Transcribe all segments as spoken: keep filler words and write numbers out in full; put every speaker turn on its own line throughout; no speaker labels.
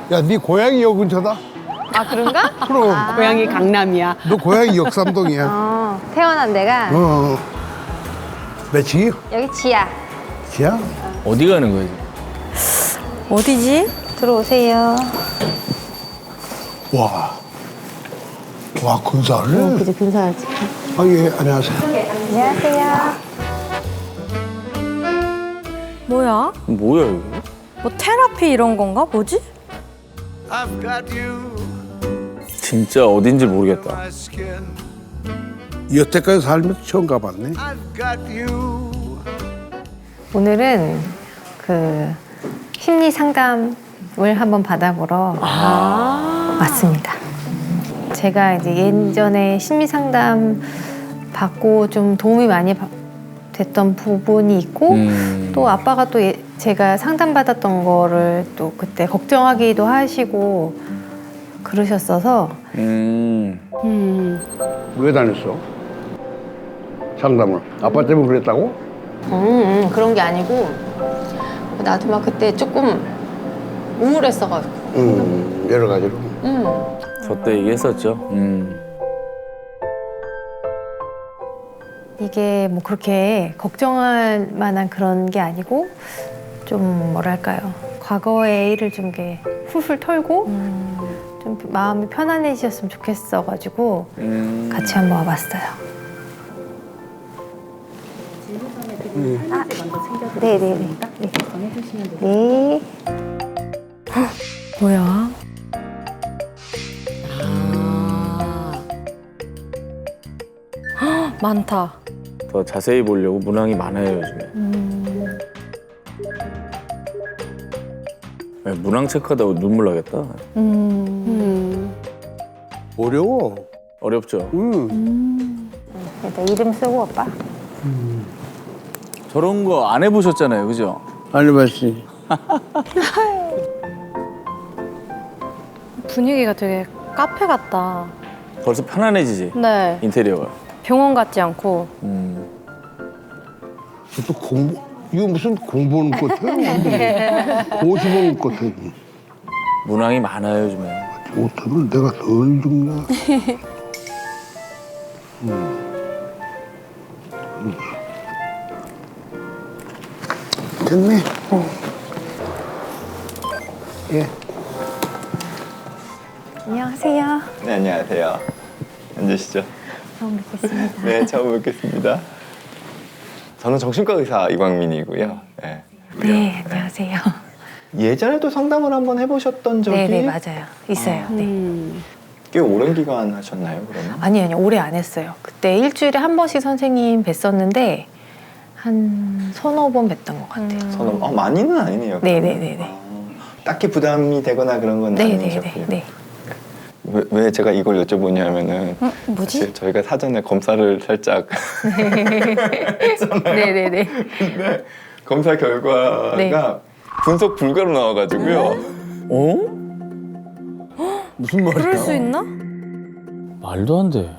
야, 네 고향이 여 근처다?
아 그런가?
그럼
고향이 강남이야.
너 고향이 역삼동이야.
어, 태어난 데가
어. 매치?
여기 지하.
지야?
어디 가는 거야?
어디지? 들어오세요.
와. 와, 근사하네.
그죠 근사하지.
아, 예, 안녕하세요.
안녕하세요.
뭐야?
뭐야 이거?
뭐 테라피 이런 건가? 뭐지?
진짜 어딘지 모르겠다.
여태까지 살면서 처음 가봤네.
오늘은 그 심리 상담을 한번 받아보러 왔습니다. 제가 이제 예전에 심리 상담 받고 좀 도움이 많이 바- 됐던 부분이 있고
음.
또 아빠가 또 예- 제가 상담받았던 거를 또 그때 걱정하기도 하시고 그러셨어서
음.
음.
왜 다녔어? 상담을. 아빠 때문에 그랬다고?
음, 음, 그런 게 아니고 나도 막 그때 조금 우울했어가지고
음, 여러 가지로.
음.
저 때 얘기했었죠. 음.
이게 뭐 그렇게 걱정할 만한 그런 게 아니고 좀 뭐랄까요 과거의 일을 좀 이렇게 훌훌 털고 좀 마음이 편안해지셨으면 좋겠어가지고
음.
같이 한번 와봤어요. 아, 네네네. 네. 네.
뭐야?
아.
많다.
더 자세히 보려고 문항이 많아요 요즘에. 네, 문항 체크하다가 눈물 나겠다.
음.
어려워.
어렵죠.
음.
일단 이름 쓰고 오빠.
저런 거 안 해보셨잖아요, 그죠?
안 해봤지.
분위기가 되게 카페 같다.
벌써 편안해지지.
네.
인테리어가.
병원 같지 않고.
음.
또 공부, 이거 무슨 공부하는 것 같아? 오십 원 것 같아.
문항이 많아요 요즘에.
못하면 내가 덜 죽나? 음. 음. 됐네. 예.
안녕하세요.
네, 안녕하세요. 앉으시죠.
처음 뵙겠습니다.
네, 처음 뵙겠습니다. 저는 정신과 의사 이광민이고요. 네.
네, 안녕하세요.
예전에도 상담을 한번 해보셨던 적이
네네 맞아요. 있어요. 네.
음.
꽤 오랜 기간 하셨나요, 그러면?
아니 아니 오래 안 했어요. 그때 일주일에 한 번씩 선생님 뵀었는데 한 서너 번 뵀던 것 같아요.
저는 어, 많이는 아니네요.
네네네네.
어, 딱히 부담이 되거나 그런 건
네네네.
아니셨고요.
네.
왜, 왜 제가 이걸 여쭤보냐면은
음, 뭐지?
사실 저희가 사전에 검사를 살짝
네네네.
근데 검사 결과가
네.
분석 불가로 나와가지고요.
어? 무슨 말이야?
그럴 수 있나?
말도 안 돼.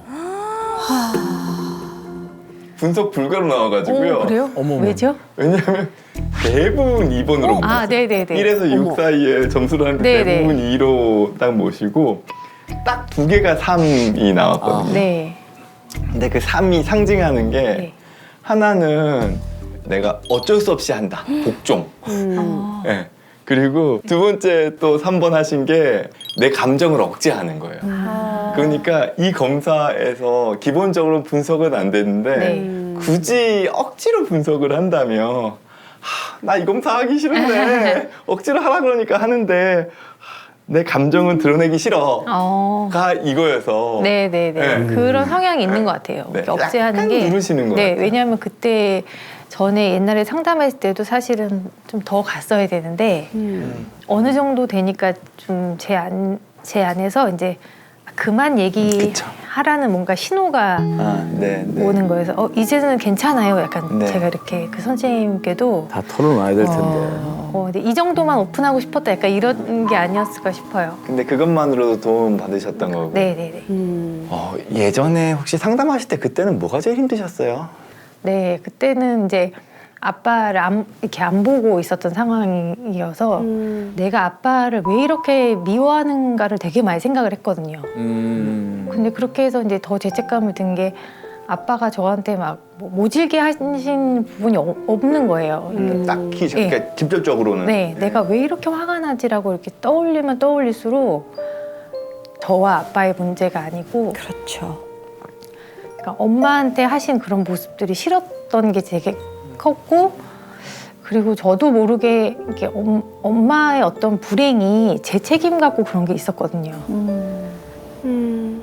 분석 불가로 나와가지고요.
오, 그래요?
어머,
왜죠?
왜냐하면 대부분 이 번으로 못
아, 네네네.
일에서 육
어머.
사이에 점수를 하는데
네네.
대부분 이로 딱 모시고 딱 두 개가 삼이 나왔거든요.
네.
근데 그 삼이 상징하는 게
네.
하나는 내가 어쩔 수 없이 한다. 복종.
음.
예. 그리고 두 번째 또 삼 번 하신 게 내 감정을 억제하는 거예요.
아.
그러니까 이 검사에서 기본적으로 분석은 안 되는데
네.
굳이 억지로 분석을 한다면 나 이 검사 하기 싫은데 억지로 하라 그러니까 하는데 하, 내 감정은 드러내기 싫어가
어.
이거여서
네네네.
네.
그런 성향이 있는 것 같아요.
네.
이렇게 억제하는
약간
게.
누르시는 것
네,
같아요.
왜냐하면 그때 전에 옛날에 상담했을 때도 사실은 좀 더 갔어야 되는데
음.
어느 정도 되니까 좀 제 안, 제 안에서 이제 그만 얘기하라는 뭔가 신호가
아, 네, 네.
오는 거여서 어, 이제는 괜찮아요. 약간
네.
제가 이렇게 그 선생님께도
다 털어놔야 될 텐데.
어, 근데 이 정도만 오픈하고 싶었다. 약간 이런 게 아니었을까 싶어요.
근데 그것만으로도 도움 받으셨던 거고.
네네네.
음.
어, 예전에 혹시 상담하실 때 그때는 뭐가 제일 힘드셨어요?
네, 그때는 이제 아빠를 안, 이렇게 안 보고 있었던 상황이어서
음.
내가 아빠를 왜 이렇게 미워하는가를 되게 많이 생각을 했거든요.
음.
근데 그렇게 해서 이제 더 죄책감을 든 게 아빠가 저한테 막 뭐 모질게 하신 부분이 어- 없는 거예요. 이게
딱히
예.
그러니까 직접적으로는
네, 내가 왜 이렇게 화가 나지라고 이렇게 떠올리면 떠올릴수록 저와 아빠의 문제가 아니고
그렇죠.
그러니까 엄마한테 하신 그런 모습들이 싫었던 게 되게 컸고 그리고 저도 모르게 이렇게 엄, 엄마의 어떤 불행이 제 책임 같고 그런 게 있었거든요.
음. 음.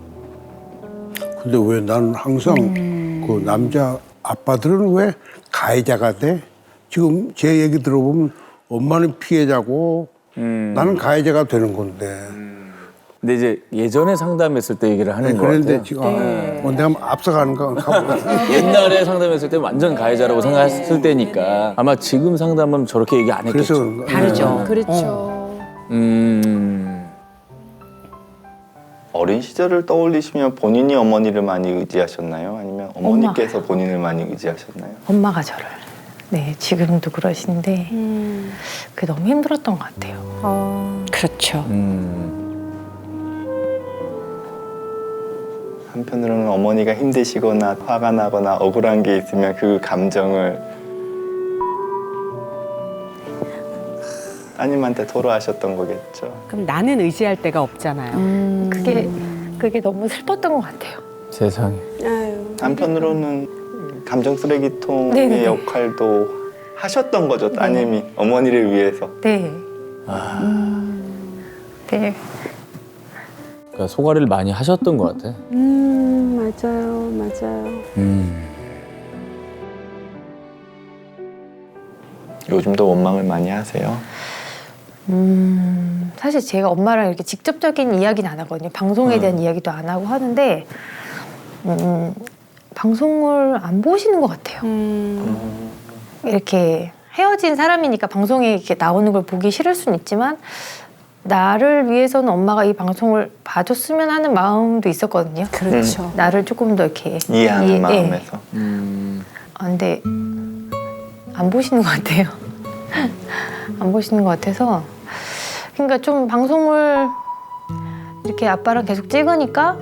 근데 왜 나는 항상 그 남자 아빠들은 왜 가해자가 돼? 지금 제 얘기 들어보면 엄마는 피해자고
음.
나는 가해자가 되는 건데.
근데 이제 예전에 상담했을 때 얘기를 하는
네,
거
그런데
같아요.
지금 아, 뭐 내가 앞서가는가 가보겠습니다.
옛날에 상담했을 때 완전 가해자라고 생각했을 때니까 아마 지금 상담은 저렇게 얘기 안
그래서
했겠죠.
그런가?
다르죠.
네.
그렇죠.
음.
어린 시절을 떠올리시면 본인이 어머니를 많이 의지하셨나요? 아니면 어머니께서 본인을 많이 의지하셨나요?
엄마가 저를. 네, 지금도 그러신데
음.
그게 너무 힘들었던 것 같아요.
어,
그렇죠.
음.
한편으로는 어머니가 힘드시거나 화가 나거나 억울한 게 있으면 그 감정을 따님한테 토로하셨던 거겠죠.
그럼 나는 의지할 데가 없잖아요.
그게 그게 너무 슬펐던 것 같아요.
세상에.
아유.
한편으로는 감정 쓰레기통의
네네네.
역할도 하셨던 거죠. 따님이 어머니를 위해서.
네,
아.
네.
그러니까 소가리를 많이 하셨던 것 같아.
음, 맞아요. 맞아요.
음.
요즘도 원망을 많이 하세요.
음, 사실 제가 엄마랑 이렇게 직접적인 이야기는 안 하거든요. 방송에 대한 이야기도 안 하고 하는데 음, 방송을 안 보시는 것 같아요.
음.
이렇게 헤어진 사람이니까 방송에 이렇게 나오는 걸 보기 싫을 수는 있지만 나를 위해서는 엄마가 이 방송을 봐줬으면 하는 마음도 있었거든요.
그렇죠.
나를 조금 더 이렇게
이해하는
이해- 예.
마음에서.
음.
아, 근데 안 보시는 것 같아요. 안 보시는 것 같아서 그러니까 좀 방송을 이렇게 아빠랑 계속 찍으니까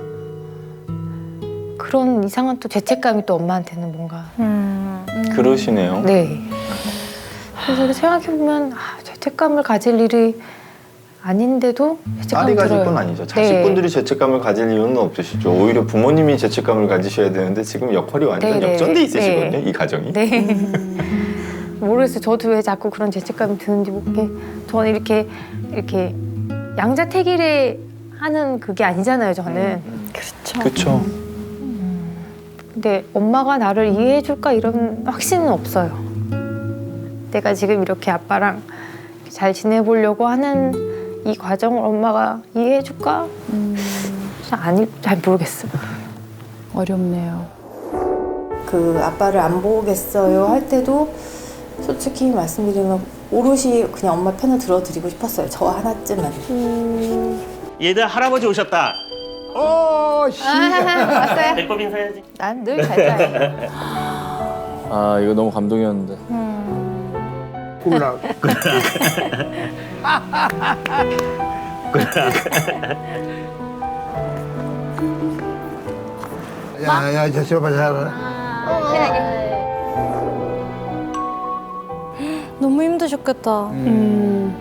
그런 이상한 또 죄책감이 또 엄마한테는 뭔가
음.
그러시네요.
네. 그래서 생각해보면 아, 죄책감을 가질 일이 아닌데도 죄책감이
딸이 가질
들어요.
건 아니죠. 자식분들이 죄책감을 가질 이유는 없으시죠. 오히려 부모님이 죄책감을 가지셔야 되는데 지금 역할이 완전
네, 네.
역전돼 있으시거든요.
네.
이 가정이.
네. 모르겠어요. 저도 왜 자꾸 그런 죄책감이 드는지 모르게. 저는 이렇게 이렇게 양자택일에 하는 그게 아니잖아요. 저는.
그렇죠.
그렇죠.
근데 엄마가 나를 이해해줄까 이런 확신은 없어요. 내가 지금 이렇게 아빠랑 잘 지내보려고 하는 이 과정을 엄마가 이해해줄까? 진짜 아니, 잘 모르겠어요.
어렵네요.
그 아빠를 안 보겠어요 할 때도 솔직히 말씀드리면 오롯이 그냥 엄마 편을 들어드리고 싶었어요. 저 하나쯤은.
얘들 할아버지 오셨다.
어, 씨.
왔어요?
배꼽 인사해야지.
난 늘 잘 자요.
아 이거 너무 감동이었는데.
꿈락. 야, 야, 저, 저, 봐, 잘.
너무 힘드셨겠다.
음.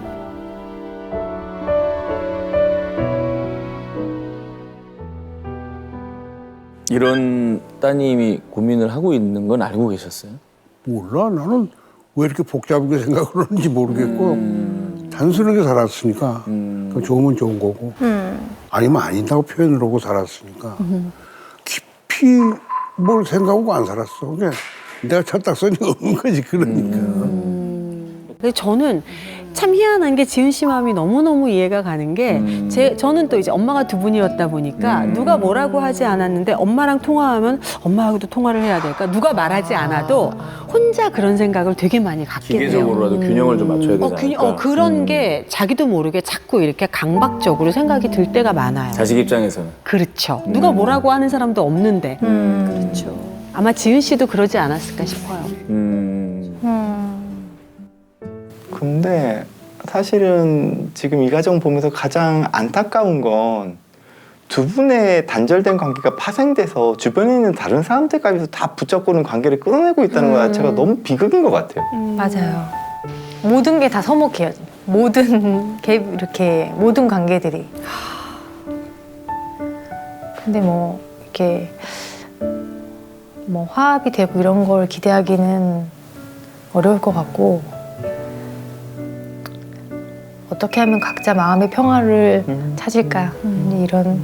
이런 따님이 고민을 하고 있는 건 알고 계셨어요?
몰라, 나는 왜 이렇게 복잡하게 생각을 하는지 모르겠고,
음.
단순하게 살았으니까,
음.
그 좋으면 좋은 거고, 아니면 아니다고 표현을 하고 살았으니까, 깊이 뭘 생각하고 안 살았어. 그냥 내가 철딱선이 없는 거지, 그러니까.
근데 저는 참 희한한 게 지은 씨 마음이 너무너무 이해가 가는 게
음.
제, 저는 또 이제 엄마가 두 분이었다 보니까
음.
누가 뭐라고 하지 않았는데 엄마랑 통화하면 엄마하고도 통화를 해야 될까? 누가 말하지 않아도 혼자 그런 생각을 되게 많이 갖게 돼요.
기계적으로라도 균형을 좀 맞춰야 되지
어, 균,
않을까?
어, 그런
음.
게 자기도 모르게 자꾸 이렇게 강박적으로 생각이 들 때가 많아요.
자식 입장에서는.
그렇죠. 누가
음.
뭐라고 하는 사람도 없는데.
음.
그렇죠. 아마 지은 씨도 그러지 않았을까 싶어요.
음.
근데 사실은 지금 이 가정 보면서 가장 안타까운 건 두 분의 단절된 관계가 파생돼서 주변에 있는 다른 사람들까지도 다 붙잡고는 관계를 끌어내고 있다는 것 자체가 너무 비극인 것 같아요.
맞아요. 모든 게 다 서먹해요. 모든 게 이렇게 모든 관계들이. 근데 뭐 이렇게 뭐 화합이 되고 이런 걸 기대하기는 어려울 것 같고 어떻게 하면 각자 마음의 평화를
음.
찾을까 이런.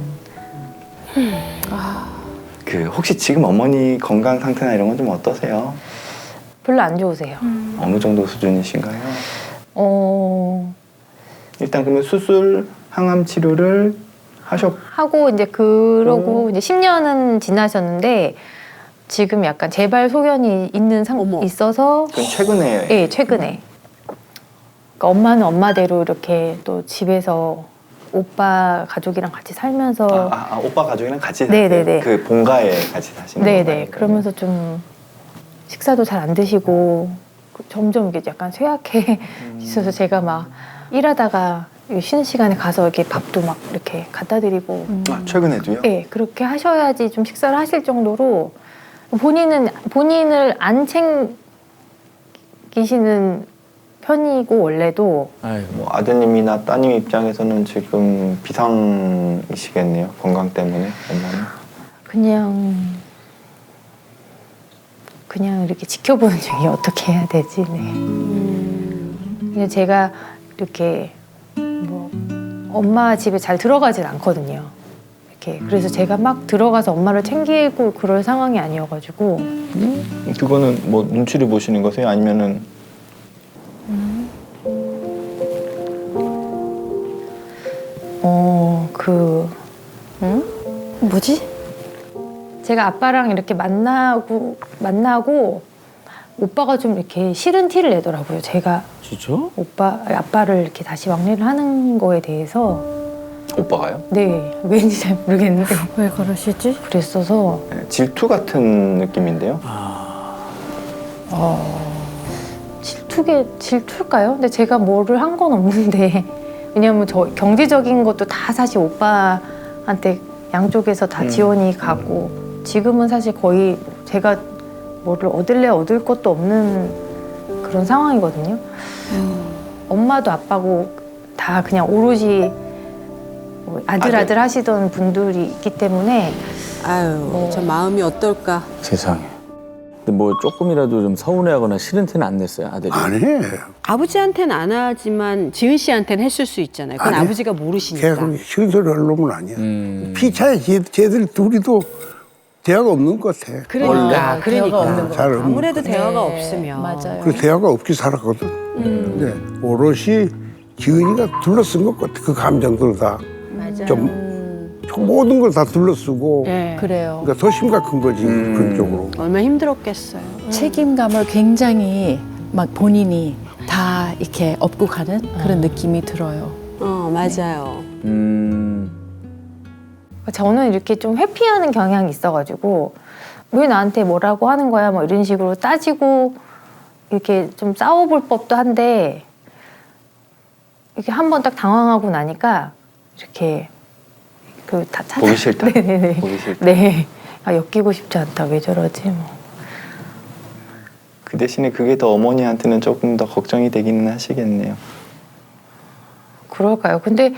그 혹시 지금 어머니 건강 상태나 이런 건 좀 어떠세요?
별로 안 좋으세요.
어느 정도 수준이신가요?
어
일단 그러면 수술, 항암 치료를 하셨.
하고 이제 그러고
오.
이제 십 년은 지나셨는데 지금 약간 재발 소견이 있는 상
어머.
있어서
그건 최근에.
예 최근에 그러니까 엄마는 엄마대로 이렇게 또 집에서 오빠 가족이랑 같이 살면서
아, 아, 아, 오빠 가족이랑 같이 사세요?
네네네.
그 본가에 같이 사시는 건가요?
네네 그러면서 좀 식사도 잘 안 드시고 점점 이게 약간 쇠약해 있어서 제가 막 일하다가 쉬는 시간에 가서 이렇게 밥도 막 이렇게 갖다 드리고
아, 최근에도요?
네, 그렇게 하셔야지 좀 식사를 하실 정도로 본인은 본인을 안 챙기시는 편이고 원래도
아이고.
뭐 아드님이나 따님 입장에서는 지금 비상이시겠네요. 건강 때문에 엄마는.
그냥 그냥 이렇게 지켜보는 중이 어떻게 해야 되지? 네. 그냥 제가 이렇게 뭐 엄마 집에 잘 들어가진 않거든요. 이렇게 그래서 제가 막 들어가서 엄마를 챙기고 그럴 상황이 아니어가지고
그거는 뭐 눈치를 보시는 거세요? 아니면은
어 그
응? 뭐지?
제가 아빠랑 이렇게 만나고 만나고 오빠가 좀 이렇게 싫은 티를 내더라고요. 제가
진짜?
오빠 아빠를 이렇게 다시 왕래를 하는 거에 대해서
오빠가요?
네 왠지 잘 모르겠는데
왜 그러시지?
그랬어서
네, 질투 같은 느낌인데요.
질투게 질투일까요? 근데 제가 뭐를 한 건 없는데 왜냐면 저 경제적인 것도 다 사실 오빠한테 양쪽에서 다
음.
지원이 가고 지금은 사실 거의 제가 뭐를 얻을래 얻을 것도 없는 그런 상황이거든요. 엄마도 아빠고 다 그냥 오로지 뭐 아들 아들 하시던 분들이 있기 때문에
아유,
뭐.
저 마음이 어떨까.
세상에. 근데 뭐 조금이라도 좀 서운해하거나 싫은 티는 안 냈어요, 아들이.
안 해.
아버지한테는 안 하지만 지은 씨한테는 했을 수 있잖아요. 그건
아니,
아버지가
걔가
모르시니까.
그렇게 싫은 소리 할 놈은 아니야.
음.
피차에 쟤, 쟤들 둘이도 대화가 없는 것 같아.
그러니까, 그러니까.
잘 없는
아무래도
것
대화가
네,
없으면.
맞아요.
그 대화가 없이 살았거든. 근데 오롯이 기은이가 둘러쓴 것 같아. 그 감정들 다. 좀 모든 걸 다 둘러쓰고.
네.
그래요.
그러니까 더 심각한 거지
음.
그런 쪽으로.
얼마나 힘들었겠어요.
책임감을 굉장히 막 본인이 다 이렇게 업고 가는 그런 느낌이 들어요.
어, 맞아요.
음.
저는 이렇게 좀 회피하는 경향이 있어가지고 왜 나한테 뭐라고 하는 거야 뭐 이런 식으로 따지고 이렇게 좀 싸워볼 법도 한데 이렇게 한 번 딱 당황하고 나니까 이렇게 그 다 찾아
보기 싫다.
네네네.
보기 싫다.
네. 아 엮이고 싶지 않다. 왜 저러지 뭐.
그 대신에 그게 더 어머니한테는 조금 더 걱정이 되기는 하시겠네요.
그럴까요? 근데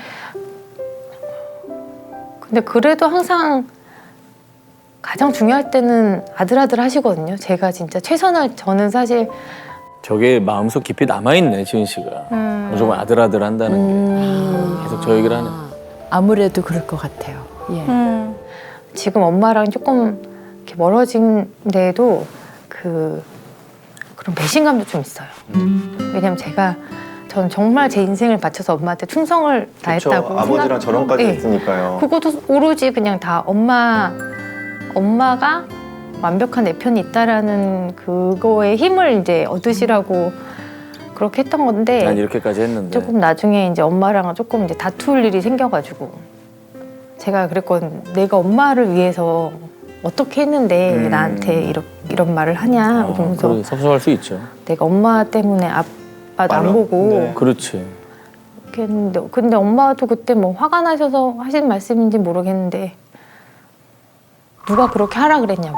근데 그래도 항상 가장 중요할 때는 아들아들 하시거든요. 제가 진짜 최선을 저는 사실
저게 마음속 깊이 남아있네, 지은 씨가.
음.
무조건 아들아들 한다는
음.
게. 계속 저 얘기를 하네.
아무래도 그럴 것 같아요. 예.
음. 지금 엄마랑 조금 이렇게 멀어진데도 그 그런 배신감도 좀 있어요. 왜냐면 제가 전 정말 제 인생을 바쳐서 엄마한테 충성을 다했다고
그렇죠. 아버지랑
생각-
저런까지
네.
했으니까요.
그것도 오로지 그냥 다 엄마 엄마가 완벽한 내 편이 있다라는 그거에 힘을 이제 얻으시라고 그렇게 했던 건데
난 이렇게까지 했는데.
조금 나중에 이제 엄마랑 조금 이제 다툴 일이 생겨가지고 제가 그랬거든. 내가 엄마를 위해서 어떻게 했는데 왜
음.
나한테 이런 이런 말을 하냐
어,
이러면서
그러게 섭섭할 수 있죠.
내가 엄마 때문에 맛 안
맞아.
보고
네.
그렇지.
그랬는데 근데 엄마도 그때 뭐 화가 나셔서 하신 말씀인지 모르겠는데 누가 그렇게 하라 그랬냐고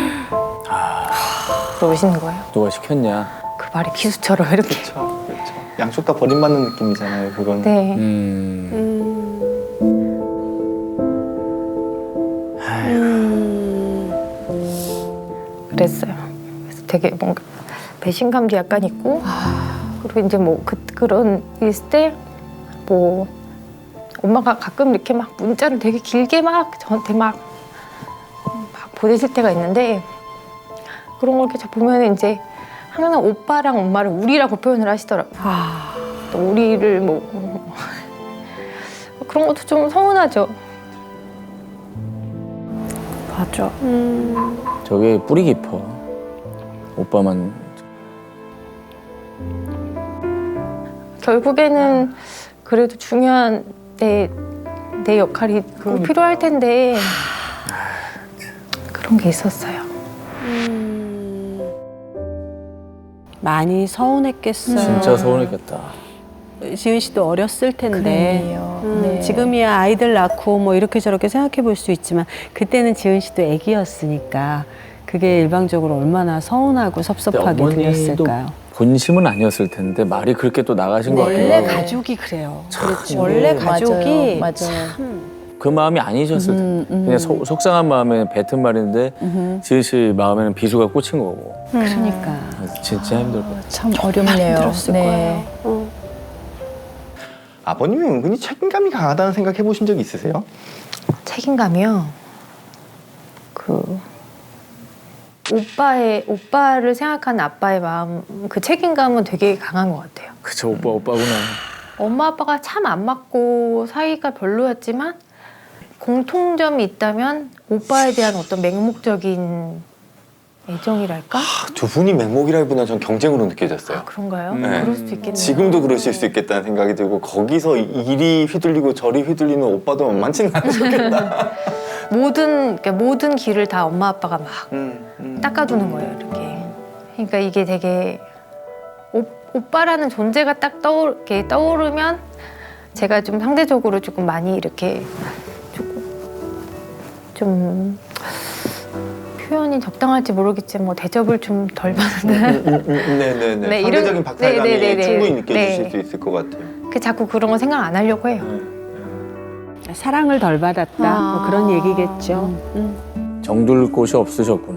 그러시는 거예요.
누가 시켰냐?
그 말이 기수처럼 이렇게.
그렇죠. 그렇죠. 양쪽 다 버림받는 느낌이잖아요. 그건.
네.
음.
그랬어요. 그래서 되게 뭔가 배신감도 약간 있고 그리고 이제 뭐 그, 그런 일 있을 때 뭐 엄마가 가끔 이렇게 막 문자를 되게 길게 막 저한테 막, 막 보내실 때가 있는데 그런 걸 이렇게 보면 이제 항상 오빠랑 엄마를 우리라고 표현을 하시더라고요. 또 우리를 뭐 그런 것도 좀 서운하죠.
맞아.
저게 뿌리 깊어. 오빠만.
결국에는 그래도 중요한 내, 내 역할이 꼭 필요할 텐데 그런 게 있었어요.
많이 서운했겠어요.
진짜 서운했겠다.
지은 씨도 어렸을 텐데
그러네요.
음,
네.
지금이야 아이들 낳고 뭐 이렇게 저렇게 생각해 볼 수 있지만 그때는 지은 씨도 아기였으니까 그게 일방적으로 얼마나 서운하고 섭섭하게
근데 어머니도
들렸을까요?
본심은 아니었을 텐데 말이 그렇게 또 나가신 것
원래
같아요.
가족이 그래요.
그렇죠.
원래
맞아요.
가족이
맞아요.
참
그 마음이 아니셨을 텐데.
음, 음.
그냥 속- 속상한 마음에 뱉은 말인데 지은 씨 마음에는 비수가 꽂힌 거고.
그러니까
그래서 진짜 힘들 것 같아요.
참 어렵네요.
힘들었을
네.
거예요.
아버님이 은근히 책임감이 강하다는 생각 해보신 적 있으세요?
책임감이요. 그 오빠의 오빠를 생각하는 아빠의 마음, 그 책임감은 되게 강한 것 같아요.
그쵸, 오빠, 오빠구나.
엄마 아빠가 참 안 맞고 사이가 별로였지만 공통점이 있다면 오빠에 대한 어떤 맹목적인 애정이랄까?
두 분이 맹목이라기보다는 전 경쟁으로 느껴졌어요.
아, 그런가요?
네.
그럴 수도 있겠네요.
지금도 그러실 수 있겠다는 생각이 들고 거기서 이리 휘둘리고 저리 휘둘리는 오빠도 만만치는 않으셨겠다.
모든 그러니까 모든 길을 다 엄마 아빠가 막
음, 음.
닦아두는 거예요, 이렇게. 그러니까 이게 되게 오, 오빠라는 존재가 딱 떠오르, 이렇게 떠오르면 제가 좀 상대적으로 조금 많이 이렇게 조금 좀 표현이 적당할지 모르겠지만 뭐 대접을 좀 덜 받는.
음, 음, 음, 네네네.
네,
상대적인
이런-
박탈감이
네네네네.
충분히 느껴지실
네.
수 있을 것 같아요.
그 자꾸 그런 거 생각 안 하려고 해요.
사랑을 덜 받았다
아.
뭐 그런 얘기겠죠. 음.
정둘 곳이 없으셨구나.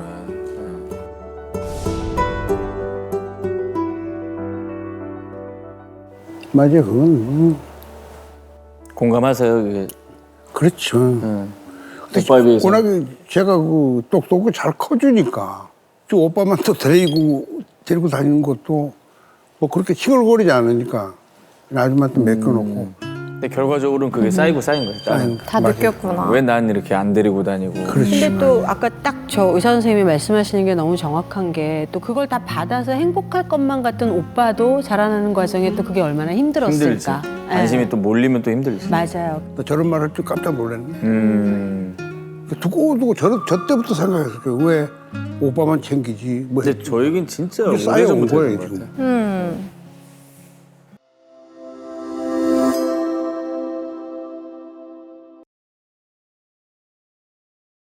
맞아요. 그건 음,
공감하세요, 그게.
그렇죠.
응. 오빠에 비해서.
워낙에 제가 그 똑똑하고 잘 커주니까 저 오빠만 또 데리고 데리고 다니는 것도 뭐 그렇게 칭얼거리지 않으니까 아줌마한테 맡겨놓고
근데 결과적으로는 그게 쌓이고 쌓인 거예요.
쌓인
다
맞아요.
느꼈구나.
왜 난 이렇게 안 데리고 다니고.
그렇지.
근데 또 아까 딱 저 의사 선생님이 말씀하시는 게 너무 정확한 게 또 그걸 다 받아서 행복할 것만 같은 오빠도 자라나는 과정에 또 그게 얼마나
힘들지.
힘들었을까.
관심이
예.
또 몰리면 또 힘들지.
맞아요.
나 저런 말 할 줄 깜짝 놀랐네.
음.
두고 두고 저, 저 때부터 생각했어요. 왜 오빠만 챙기지? 뭐
근데 저 얘기는 진짜
이게 쌓여온
오래전부터
거예요,
했던 것
지금.
같아요.
음.